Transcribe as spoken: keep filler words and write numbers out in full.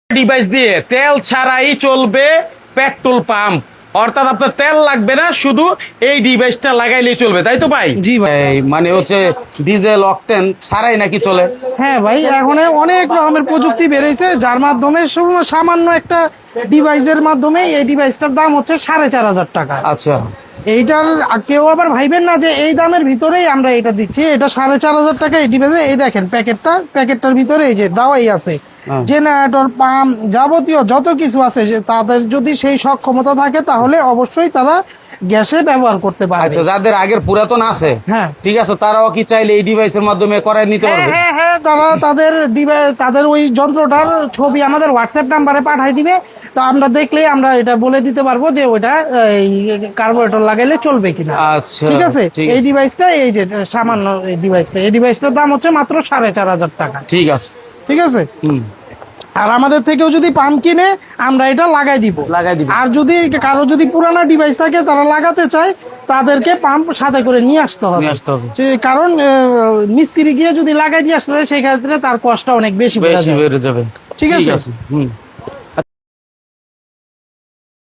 Device দিয়ে তেল ছাড়াই চলবে পেট্রোল পাম্প, অর্থাৎ আপনার তেল লাগবে না, শুধু এই ডিভাইসটা লাগাইলেই চলবে, তাই তো ভাই? জি ভাই। এই মানে হচ্ছে ডিজেল অকটেন ছাড়াই নাকি চলে? হ্যাঁ ভাই, এখন অনেক রকমের প্রযুক্তি বেরিয়েছে, যার মাধ্যমে শুধু সামান্য একটা ডিভাইসের মাধ্যমে এই ডিভাইসটার দাম হচ্ছে সাড়ে চার হাজার টাকা। আচ্ছা, এইটার কেউ আবার ভাইবেন না যে এই দামের ভিতরেই আমরা এটা দিচ্ছি। এটা সাড়ে চার হাজার টাকা এই ডিভাইসে। এই দেখেন প্যাকেটটা, প্যাকেটটার ভিতরে এই যে দাওয়াই আছে, জেনারেটর, পাম্প, যাবতীয় যত কিছু আছে, যে তাদের যদি সেই সক্ষমতা থাকে তাহলে অবশ্যই তারা গ্যাসে ব্যবহার করতে পারে। আচ্ছা, যাদের আগের পুরাতন আছে, হ্যাঁ ঠিক আছে, তারাও কি চাইলে এই ডিভাইসের মাধ্যমে করাই নিতে হ্যাঁ পারবে? হ্যাঁ হ্যাঁ তারা তাদের ডিভাইস, তাদের ওই যন্ত্রটার ছবি আমাদের হোয়াটসঅ্যাপ নাম্বারে পাঠাই দিবে। তো আমরা দেখলেই আমরা এটা বলে দিতে পারবো যে ওইটা এই কার্বোরেটর লাগাইলে চলবে কিনা। আচ্ছা, ঠিক আছে। ঠিক এই আছে। ডিভাইসটা, এই যে সামান্য এই ডিভাইসটা, এই ডিভাইসটার দাম হচ্ছে মাত্র সাড়ে চার হাজার টাকা। ঠিক আছে। ঠিক আছে। হুম, আর আমাদের থেকেও যদি পাম্প কিনে আমরা এটা লাগাই দিব। লাগাই দিব। আর যদি কারো যদি পুরানো ডিভাইস থাকে তারা লাগাতে চায়, তাদেরকে পাম্প সাথে করে নিয়ে আসতে হবে। নিয়ে আসতে হবে। যে কারণ আহ, মিস্ত্রি গিয়ে যদি লাগাই দিয়ে আসতে হয়, সেই ক্ষেত্রে তার কষ্ট অনেক বেশি বেড়ে বেশি যাবে। বেড়ে যাবে। ঠিক আছে। হুম।